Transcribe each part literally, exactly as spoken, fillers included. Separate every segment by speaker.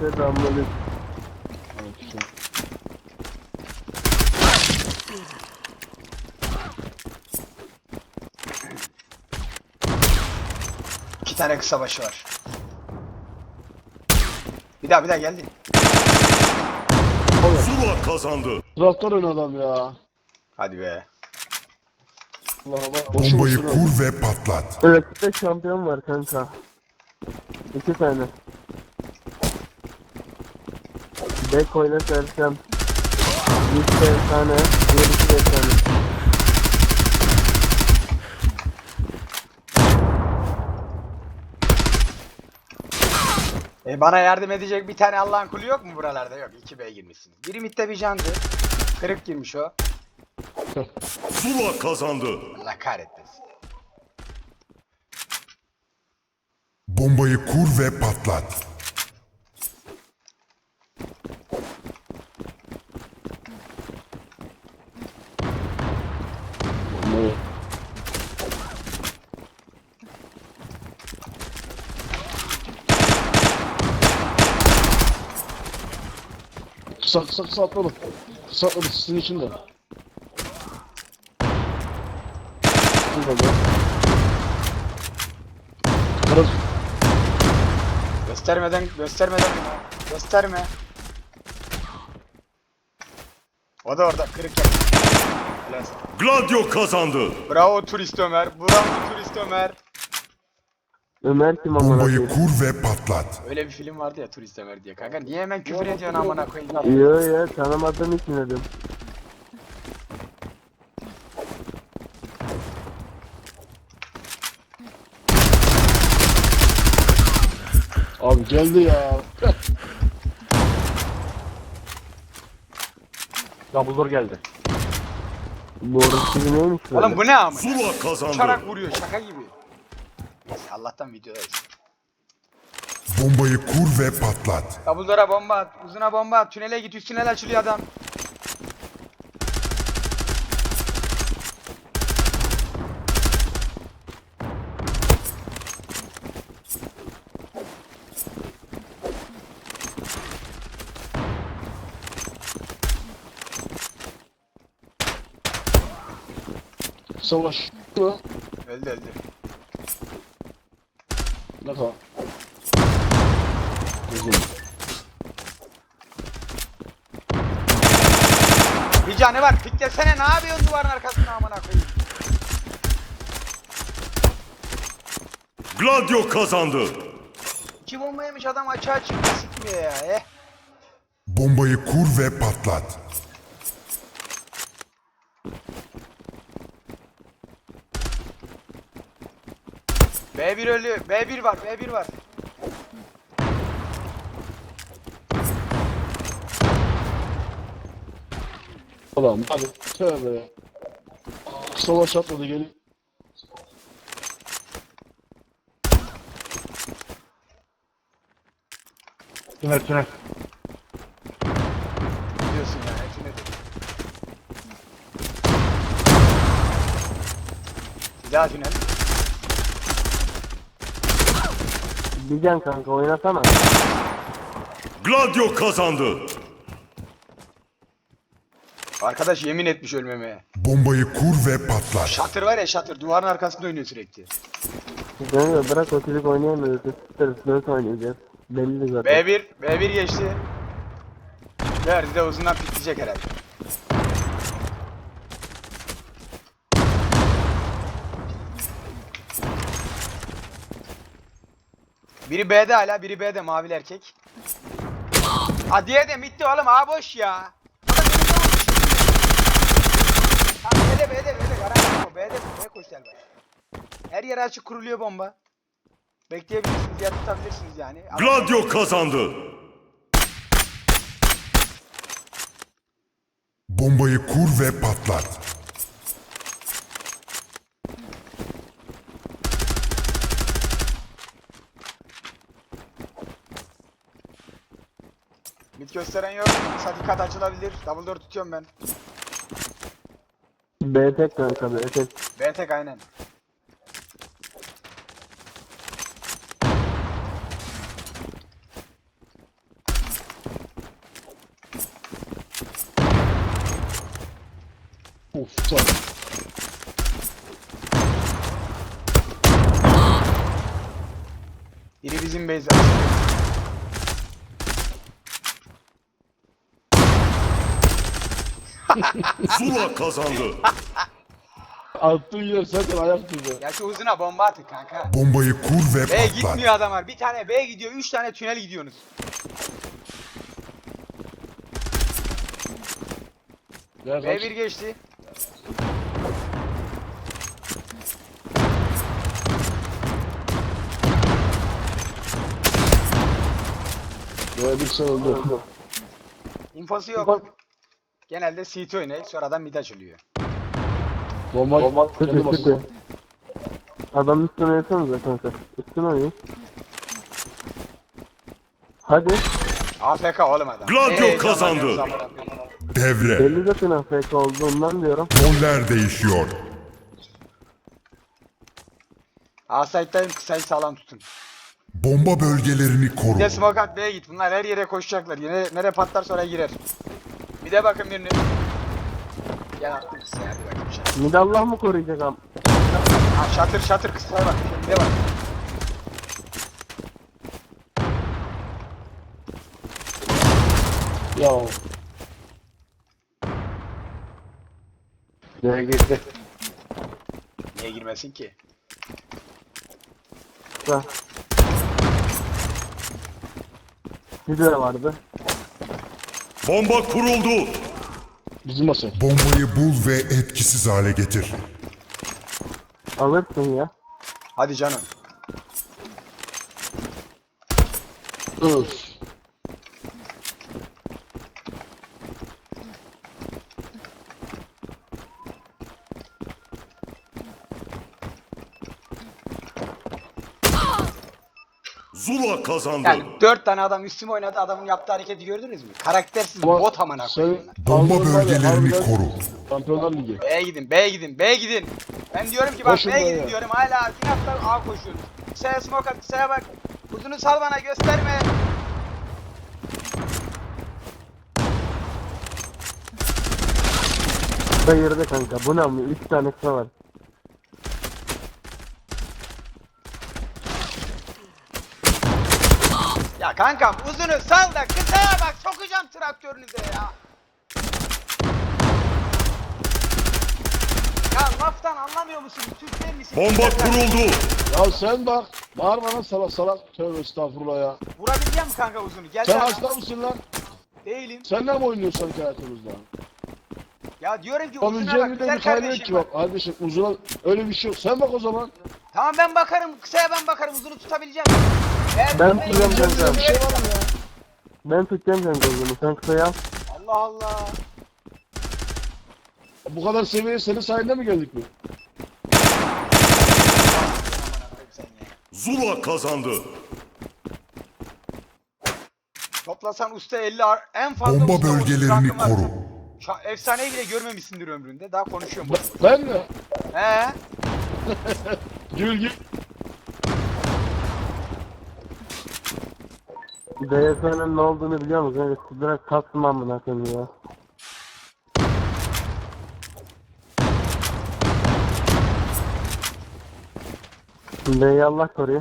Speaker 1: Selamünaleyküm.
Speaker 2: İki tane kısa başı var. Bir daha bir daha geldi.
Speaker 3: Zula kazandı.
Speaker 1: Traktör oynadı adam ya.
Speaker 2: Hadi be.
Speaker 1: Allah'a bak. Boşu
Speaker 4: Bombayı
Speaker 1: boşuna.
Speaker 4: kur ve patlat.
Speaker 1: Rakipte şampiyon var kanka. İki tane. Bek oyna Sersem. Bir tane, diğer iki de tane.
Speaker 2: E bana yardım edecek bir tane Allah'ın kulu yok mu buralarda? Yok. iki B girmişsiniz. Biri mitte bir candı. Kırık girmiş o.
Speaker 3: Zula kazandı.
Speaker 2: Allah kahretmesin.
Speaker 4: Bombayı kur ve patlat.
Speaker 1: Kısa kısa kısa atladı. Kısa atladı sizin içinde. Burada. Kırık.
Speaker 2: Göstermeden, göstermeden. Gösterme. O da orada kırık yaptı. Helal sana.
Speaker 3: Gladio kazandı.
Speaker 2: Bravo turist Ömer. Bravo turist Ömer.
Speaker 1: Ömer kim amına
Speaker 4: Bombayı
Speaker 1: koyayım?
Speaker 4: kur ve patlat.
Speaker 2: Öyle bir film vardı ya turist Ömer diye. Kanka niye hemen küfür ediyorsun amına koyayım?
Speaker 1: Yo ya tanımadığım için dedim. Abi geldi ya. Dumbledore geldi. Bu orası gibi neymiş böyle?
Speaker 2: Oğlum bu ne amına?
Speaker 3: Zula kazandı.
Speaker 2: Uçarak vuruyor şaka gibi. Neyse Allah'tan videodayız.
Speaker 4: Bombayı kur ve patlat.
Speaker 2: Dumbledore'a bomba at. Uzuna bomba at. Tünele git. Üst tünel açılıyor adam.
Speaker 1: Savaş. Mı?
Speaker 2: Öldü öldü.
Speaker 1: Ne kadar? Uzun.
Speaker 2: Bir canı var. Piklesene ne yapıyorsun duvarın arkasına amına koyayım.
Speaker 3: Gladio kazandı.
Speaker 2: İki bomba yemiş adam açığa çıktı sıkmıyor ya. Eh.
Speaker 4: Bombayı kur ve patlat.
Speaker 2: B bir ölü. B bir var. B bir var.
Speaker 1: Ulan hadi tövbe ya. Savaş atladı gelin. Tünel tünel.
Speaker 2: Diyorsun ya. Hepsi nedir? Bir daha tünel.
Speaker 1: Bir can kanka oynasana.
Speaker 3: Gladio kazandı.
Speaker 2: Arkadaş yemin etmiş ölmemeye.
Speaker 4: Bombayı kur ve patlat.
Speaker 2: Şatır var ya şatır. Duvarın arkasında oynuyor sürekli.
Speaker 1: Kanka bırak o çocuk oynayamıyoruz. Tutarız dört oynayacağız. Belli zaten.
Speaker 2: B bir. B bir geçti. Verdi de uzundan pikleyecek herhalde. Biri B'de hala, biri B'de mavili erkek. Ha diğeri de bitti oğlum, ha boş ya. Ha B'de B'de B'de garanti o. B'de B koş gel bak. Her yere açık kuruluyor bomba. Bekleyebilirsiniz ya tutabilirsiniz yani. Ama-
Speaker 3: Gladio kazandı.
Speaker 4: Bombayı kur ve patlat.
Speaker 2: Mid gösteren yok. Sadikat açılabilir. Double door tutuyorum ben.
Speaker 1: B tek kanka B tek.
Speaker 2: B tek aynen.
Speaker 5: Of çok.
Speaker 2: Biri bizim base.
Speaker 3: Zula kazandı.
Speaker 5: Attığın yer zaten ayak tuzu.
Speaker 2: Ya şu uzuna bomba atın kanka.
Speaker 4: Bombayı kur ve
Speaker 2: B
Speaker 4: patlat.
Speaker 2: gitmiyor adamlar. Bir tane B gidiyor, üç tane tünel gidiyorsunuz.
Speaker 5: Gel
Speaker 2: B
Speaker 5: kaç.
Speaker 2: bir geçti.
Speaker 5: Böyle bir şey oldu.
Speaker 2: İnfosu yok. Genelde C T oynayıp sonradan mid açılıyor.
Speaker 5: Bomba, Bomba
Speaker 1: Kötü
Speaker 5: kendi
Speaker 1: kötü.
Speaker 5: basıyor.
Speaker 1: Adam üstüne yatsanıza kanka. Üstüne oynayın. Hadi.
Speaker 2: A F K oğlum adam.
Speaker 3: Gladio
Speaker 2: Ee,
Speaker 3: kazandı.
Speaker 2: zaman yok, zaman yok.
Speaker 4: Devre.
Speaker 1: Belli zaten A F K olduğundan diyorum.
Speaker 4: Roller değişiyor.
Speaker 2: A site'dayım, kısayı sağlam tutun.
Speaker 4: Bomba bölgelerini koru.
Speaker 2: Bir de smoke at B'ye git. Bunlar her yere koşacaklar. Yine nereye patlar sonra girer. Bir de bakın birini. Gel attım kısaya hadi bakayım şatır.
Speaker 1: Mid Allah mı koruyacak am?
Speaker 2: Ha şatır şatır kısaya bak. Bir de bak.
Speaker 5: Ya.
Speaker 1: Nereye girdi?
Speaker 2: Niye girmesin ki?
Speaker 1: Kısa. Bir de vardı.
Speaker 3: Bomba kuruldu.
Speaker 5: Bizim masa.
Speaker 4: Bombayı bul ve etkisiz hale getir.
Speaker 1: Alırsın ya.
Speaker 2: Hadi canım.
Speaker 5: Öf.
Speaker 3: Zula kazandı.
Speaker 2: Yani dört tane adam üstüme oynadı. Adamın yaptığı hareketi gördünüz mü? Karaktersiz
Speaker 5: Ama
Speaker 2: bot amına koyayım.
Speaker 5: sen-
Speaker 4: Bomba
Speaker 5: Kaldırın var ya,
Speaker 4: bölgelerini
Speaker 5: harbiden
Speaker 4: koru.
Speaker 5: Şampiyonlar Ligi.
Speaker 2: B'ye gidin, B'ye gidin, B'ye gidin. Ben diyorum ki bak
Speaker 5: Koşun
Speaker 2: B'ye
Speaker 5: B'ye.
Speaker 2: gidin diyorum. Hala inatla A koşuyoruz. Kısaya smoke at, kısaya bak. Uzunu sal bana gösterme.
Speaker 1: Kısa girdi kanka. Bu ne mi? Üç tane kısa var.
Speaker 2: Ya kankam uzunu sal da kısaya bak. Sokacağım traktörünüze ya. Ya laftan anlamıyor musunuz? Türk değil misiniz?
Speaker 3: Bomba kuruldu.
Speaker 5: Ya sen bak. Bağırma lan salak salak. Tövbe estağfurullah ya.
Speaker 2: Vurabileceğim mi kanka uzunu? Gel
Speaker 5: Sen
Speaker 2: sen.
Speaker 5: hasta mısın lan?
Speaker 2: Değilim.
Speaker 5: Sen ne mi oynuyorsun sanki hayatımızda?
Speaker 2: Ya diyorum ki uzuna
Speaker 5: Yapabileceğin
Speaker 2: bak
Speaker 5: bir de
Speaker 2: güzel
Speaker 5: bir kaynağı
Speaker 2: kardeşim
Speaker 5: ki
Speaker 2: bak.
Speaker 5: bak. Kardeşim uzuna öyle bir şey yok. Sen bak o zaman.
Speaker 2: Tamam ben bakarım. Kısaya ben bakarım. Uzunu tutabileceğim. Eğer
Speaker 1: Ben
Speaker 2: tutmayı
Speaker 1: tutacağım
Speaker 2: bilmiyorsan
Speaker 1: kanka.
Speaker 5: Bir şey var mı ya?
Speaker 1: Ben tutacağım kanka uzunu. Sen kısayı al.
Speaker 2: Allah Allah.
Speaker 5: Bu kadar seviyeye senin sayende mi geldik mi?
Speaker 3: Zula kazandı.
Speaker 2: Toplasan usta elli ar- en fazla
Speaker 4: Bomba
Speaker 2: usta otuz
Speaker 4: bölgelerini
Speaker 2: rankım var.
Speaker 4: koru.
Speaker 2: Şa- efsaneyi bile görmemişsindir ömründe. Daha konuşuyorum boş boş.
Speaker 5: Ben mi?
Speaker 2: He?
Speaker 5: Gül gül.
Speaker 1: D S N'nin ne olduğunu biliyor musun? Evet, direkt taktım amına koyayım ya. B'yi Allah koruyor.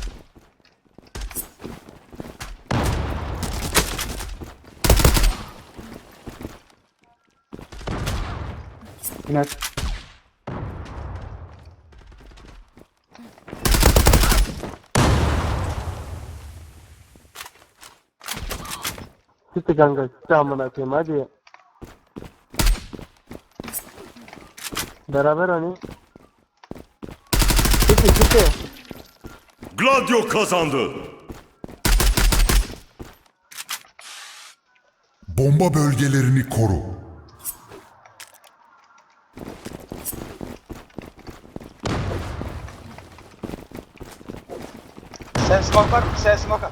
Speaker 2: Evet.
Speaker 1: Çıktı kanka. Çıktı amına koyayım hadi. Beraber hani. Çıktı çıktı.
Speaker 3: Gladio kazandı.
Speaker 4: Bomba bölgelerini koru.
Speaker 2: Sen smoke var mı? Sen smoke at.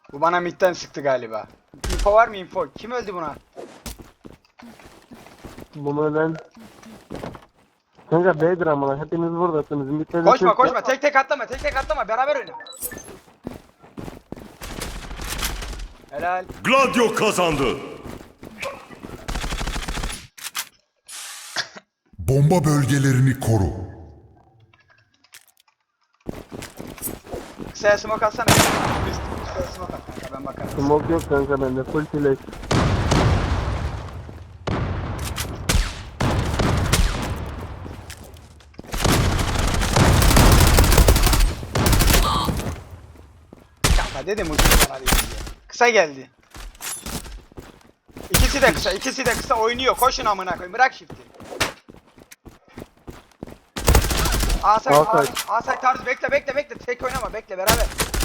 Speaker 2: Bu bana midden sıktı galiba. Info var mı info? Kim öldü buna?
Speaker 1: Bunu ölen... Kanka B'dir amına. Hepiniz buradasınız. Ümit'le de
Speaker 2: Koşma
Speaker 1: Türk-
Speaker 2: koşma tek tek atlama tek tek atlama beraber oynayın. Helal.
Speaker 3: Gladio kazandı.
Speaker 4: Bomba bölgelerini koru.
Speaker 2: Kısaya smoke atsana. Kısaya smoke at kanka ben bakarım.
Speaker 1: Smoke yok kanka bende. Full flash.
Speaker 2: Kanka dedim ucuz bana değil diye. Kısa geldi. İkisi de kısa, ikisi de kısa oynuyor. Koşun amına koyayım. Bırak shift'i. Asay,
Speaker 1: Asay.
Speaker 2: Asay, Asay tarzı bekle bekle bekle. Tek oynama bekle beraber.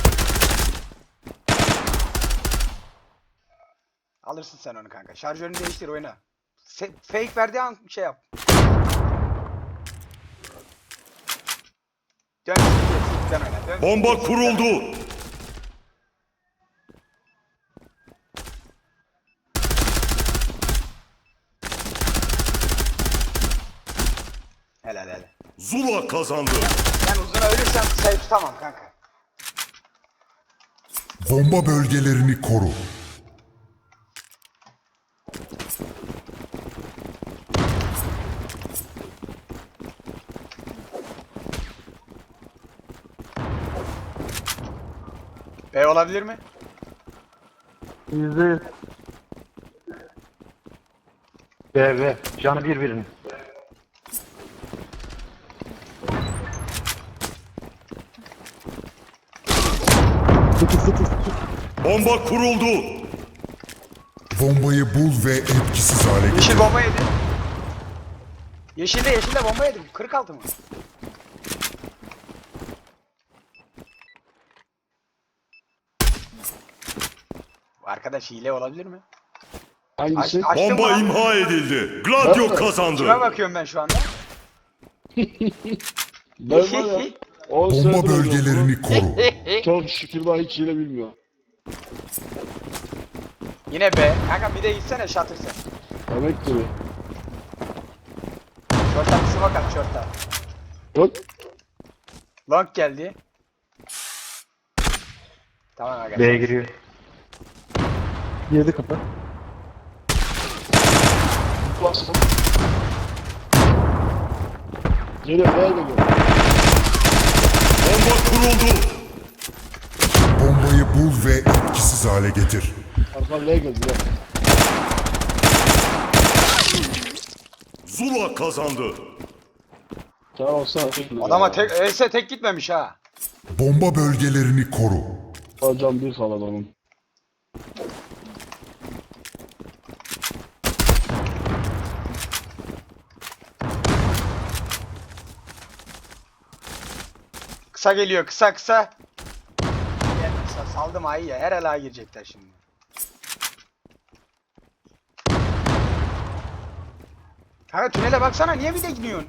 Speaker 2: Alırsın sen onu kanka. Şarjörünü değiştir oyna. Fe- fake verdiği an şey yap. Dön. Dön oyna. Dön.
Speaker 3: Bomba kuruldu.
Speaker 2: Helal helal.
Speaker 3: Zula kazandı.
Speaker 2: Ben uzuna ölürsem kısayı tutamam kanka.
Speaker 4: Bomba bölgelerini koru.
Speaker 2: B olabilir mi?
Speaker 1: Yüzde yüz.
Speaker 6: B B. Canı bir birinin.
Speaker 1: Sekiz sekiz.
Speaker 3: Bomba kuruldu.
Speaker 4: Bombayı bul ve etkisiz hale getir.
Speaker 2: Yeşil bomba yedi. Yeşilde yeşilde bomba yedi. kırk altı mı? Bu arkadaş hile olabilir mi?
Speaker 5: Hangisi?
Speaker 2: Aç- açtın mı
Speaker 3: Bomba
Speaker 2: lan?
Speaker 3: imha edildi. Gladio
Speaker 5: Nerede?
Speaker 3: kazandı.
Speaker 2: Kime bakıyorum ben şu anda?
Speaker 5: Ben var ya. on
Speaker 4: Bomba
Speaker 5: senedir oynuyorum
Speaker 4: bölgelerini koru.
Speaker 5: bunu. Çok şükür daha hiç yine bilmiyor.
Speaker 2: Yine B. Kanka bir de gitsene şatır sen.
Speaker 5: Demek ki.
Speaker 2: Şorta bir smoke at şorta.
Speaker 5: Yok.
Speaker 2: Long geldi. Tamam arkadaşlar.
Speaker 6: B'ye giriyor.
Speaker 1: Girdi kapı.
Speaker 5: Bastım. Geliyor, B'ye geliyor.
Speaker 3: Bomba kuruldu.
Speaker 4: Bombayı bul ve etkisiz hale getir.
Speaker 5: Arkadan B'ye geldi ya.
Speaker 3: Zula kazandı.
Speaker 5: Tamam olsana.
Speaker 2: Adama tek, Ese tek gitmemiş ha.
Speaker 4: Bomba bölgelerini koru.
Speaker 5: Hocam bir falan onun.
Speaker 2: Kısa geliyor kısa kısa. Gel kısa saldım ayı ya. Her ela girecekler şimdi. Kanka tünele baksana niye bir de gidiyorsun?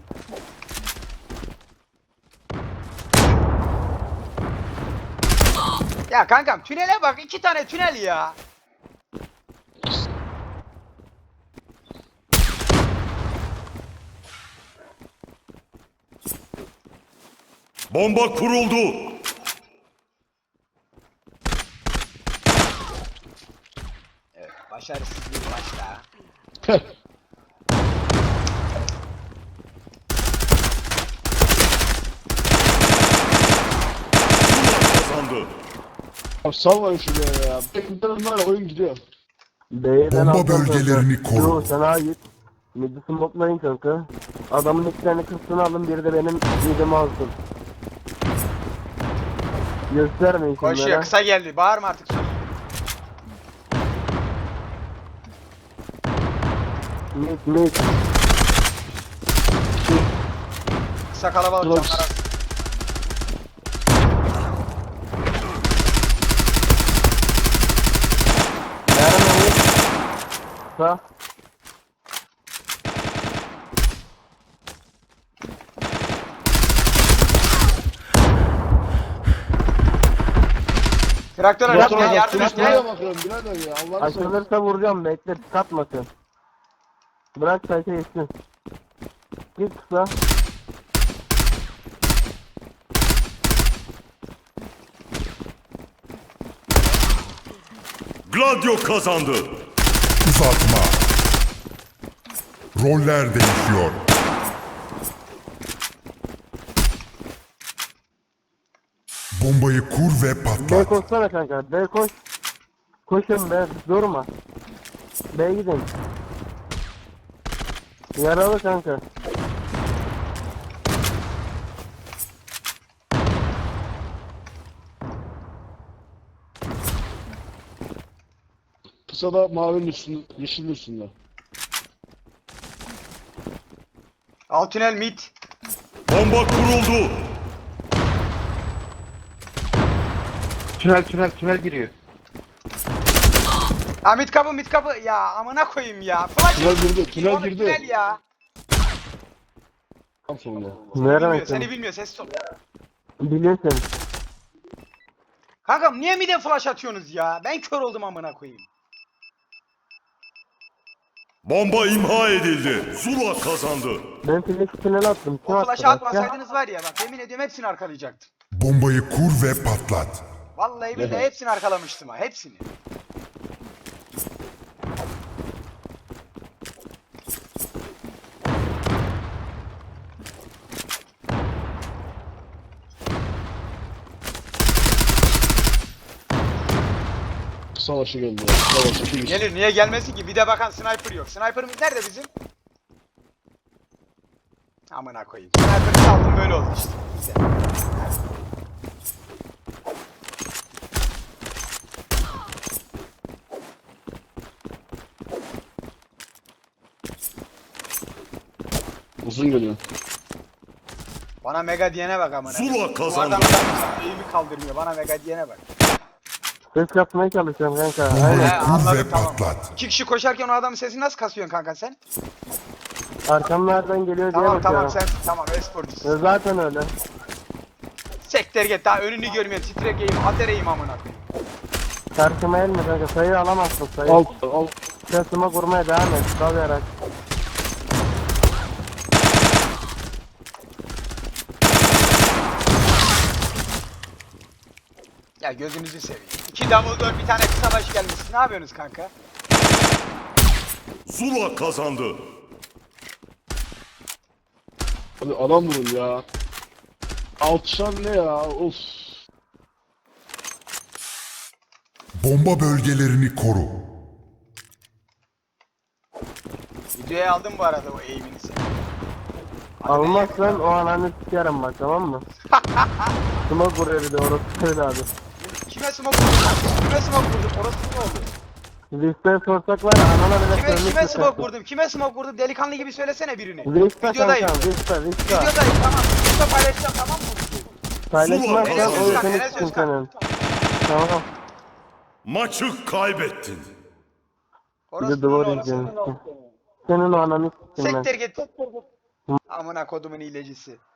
Speaker 2: Ya kankam tünele bak iki tane tünel ya.
Speaker 3: Bomba kuruldu.
Speaker 2: Evet başarısız bir maç daha.
Speaker 3: Kazandı.
Speaker 5: Ya salmayın şuraya ya. Bekledim var ya, oyun gidiyor.
Speaker 1: B'den
Speaker 4: Bomba
Speaker 1: alacağım
Speaker 4: bölgelerini
Speaker 1: kanka.
Speaker 4: koru.
Speaker 1: Yo sen A git. Midi smoke'layın kanka. Adamın iki tane kısmını alın, biri de benim midimi alsın. Göstermeyin
Speaker 2: Koşuyor
Speaker 1: şunlara.
Speaker 2: kısa geldi bağırma artık.
Speaker 1: Mid mid.
Speaker 2: Kısa kalabalık
Speaker 5: Dur.
Speaker 2: canlar.
Speaker 1: Nerede mid? Sağ.
Speaker 2: Traktör
Speaker 5: Motor
Speaker 2: araç gel yardım et
Speaker 5: Nereye
Speaker 2: gel.
Speaker 5: bakıyorum birader ya? Allah'ını seversen.
Speaker 1: Açılırsa vuracağım, bekle, katmasın. Bırak sayfa geçsin. Git kısa.
Speaker 3: Gladio kazandı.
Speaker 4: Uzatma. Roller değişiyor. Bombayı kur ve
Speaker 1: B
Speaker 4: patlat.
Speaker 1: koşsana kanka, B koş. Koşun be, durma. B gidin. Yaralı kanka.
Speaker 5: Kısa da mavinin üstünde, yeşilin üstünde.
Speaker 2: Alt tünel mid.
Speaker 3: Bomba kuruldu.
Speaker 6: Tünel tünel tünel giriyor.
Speaker 2: Ha mid kapı mid kapı. Ya amına koyayım ya. Flash
Speaker 5: Tünel girdi, tünel
Speaker 2: Oğlum,
Speaker 5: girdi.
Speaker 2: Tünel ya.
Speaker 5: Tam sonunda.
Speaker 2: Bilmiyor,
Speaker 1: Nereye
Speaker 2: seni
Speaker 1: seni?
Speaker 2: bilmiyor ses ol.
Speaker 1: Biliyorsun.
Speaker 2: Kankam niye mid'e flash atıyorsunuz ya? Ben kör oldum amına koyayım.
Speaker 3: Bomba imha edildi. Zula kazandı.
Speaker 1: Ben flash tünel attım. Kim
Speaker 2: O
Speaker 1: attı?
Speaker 2: flash'ı
Speaker 1: Başka?
Speaker 2: atmasaydınız var ya bak yemin ediyorum hepsini arkalayacaktım.
Speaker 4: Bombayı kur ve patlat.
Speaker 2: Vallahi billahi
Speaker 5: Evet.
Speaker 2: hepsini arkalamıştım ha hepsini.
Speaker 5: Kısa başı geldi. ya, Kısa başı iki
Speaker 2: Gelir niye gelmesin ki? Bir de bakan sniper yok. Sniper'ımız nerede bizim? Amına koyayım. Sniper'ı aldım böyle oldu işte. Güzel.
Speaker 5: Uzun geliyor.
Speaker 2: Bana mega diyene bak amına.
Speaker 3: Zula
Speaker 2: koyayım. Bu
Speaker 3: kazandı.
Speaker 2: adam adam eğimi kaldırmıyor. Bana mega diyene bak.
Speaker 1: Ses yapmaya çalışıyorum kanka.
Speaker 4: Bombayı
Speaker 1: Aynen.
Speaker 2: He,
Speaker 4: kur
Speaker 2: anladım,
Speaker 4: ve
Speaker 2: tamam.
Speaker 4: patlat.
Speaker 2: İki kişi koşarken o adamın sesini nasıl kasıyorsun kanka sen?
Speaker 1: Arkamlardan geliyor diye
Speaker 2: Tamam tamam
Speaker 1: bakıyorum.
Speaker 2: sen tamam e-sporcusun.
Speaker 1: E, Zaten öyle.
Speaker 2: Sekter git daha önünü görmüyorsun. Titrek eğim, ater eğim amına koyayım.
Speaker 1: Karşıma elme kanka. Sayı alamazsın sayı.
Speaker 5: Al, al.
Speaker 1: Sesime vurmaya devam et. Dalayarak.
Speaker 2: Ya gözünüzü seveyim. İki Dumbledore bir tane kısa baş gelmiş. Ne yapıyorsunuz kanka?
Speaker 3: Zula kazandı.
Speaker 5: Hadi adam vurun ya. Altışan ne ya? Of.
Speaker 4: Bomba bölgelerini koru.
Speaker 2: Videoya aldım bu arada o eğimini sen.
Speaker 1: Almazsan o ananı sikerim bak, tamam mı? Smoke vuruyor bir de orası söyle abi.
Speaker 2: Kime smoke vurdun? Kime smoke vurdun? Orası ne oldu?
Speaker 1: Listeye sorsak var ya anana bile
Speaker 2: Kime,
Speaker 1: söylemek
Speaker 2: kime
Speaker 1: yok
Speaker 2: smoke
Speaker 1: kanka.
Speaker 2: vurdum? Kime smoke vurdum? Delikanlı gibi söylesene birini.
Speaker 1: Liste
Speaker 2: Videodayım.
Speaker 1: kankam, liste, liste.
Speaker 2: Videodayım tamam. Liste paylaşacağım tamam mı?
Speaker 1: Paylaşmazsan
Speaker 3: Enes
Speaker 1: o
Speaker 3: Özkan,
Speaker 1: senin
Speaker 2: Enes
Speaker 1: için
Speaker 2: Özkan.
Speaker 1: senin. Tamam.
Speaker 3: Maçı kaybettin.
Speaker 1: Bir
Speaker 2: Orası
Speaker 1: de
Speaker 2: ne
Speaker 1: duvar
Speaker 2: oldu?
Speaker 1: izliyorsun. Senin o ananı siktim ben.
Speaker 2: Sektir git. Amına kodumun hilecisi.